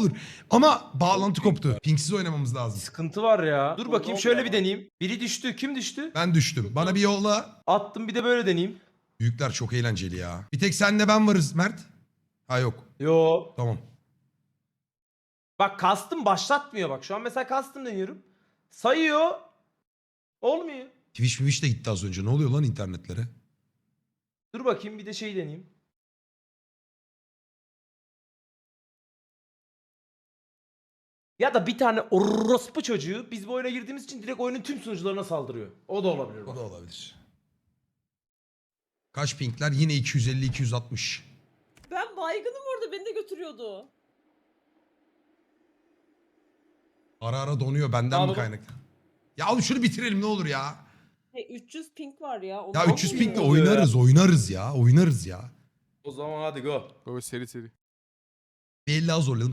olur. Ama bağlantı koptu. Pingsiz oynamamız lazım. Sıkıntı var ya. Dur Ne bakayım oldu şöyle ya? bir deneyeyim. Biri düştü. Kim düştü? Ben düştüm. Bana bir yolla. Attım bir de böyle deneyeyim. Büyükler çok eğlenceli ya. Bir tek senle ben varız Mert. Ha yok. Yo. Tamam. Bak kastım başlatmıyor bak. Şu an mesela kastım deniyorum. Sayıyor. Olmuyor. Twitch de gitti az önce. Ne oluyor lan internetlere? Dur bakayım bir de şey deneyeyim. Ya da bir tane orospu çocuğu biz bu oyuna girdiğimiz için direkt oyunun tüm sunucularına saldırıyor. O da olabilir O bak. da olabilir. Kaç pingler? Yine 250-260. Ben baygınım orada, beni de götürüyordu. Ara ara donuyor benden mi Abi- kaynaklı? Ya oğlum şunu bitirelim ne olur ya. Hey, 300 ping var ya. Ya 300 Nasıl pingle oluyor ya? oynarız ya. Oynarız ya. O zaman hadi go. Baba seri seri. Bir 50 az zorlayalım.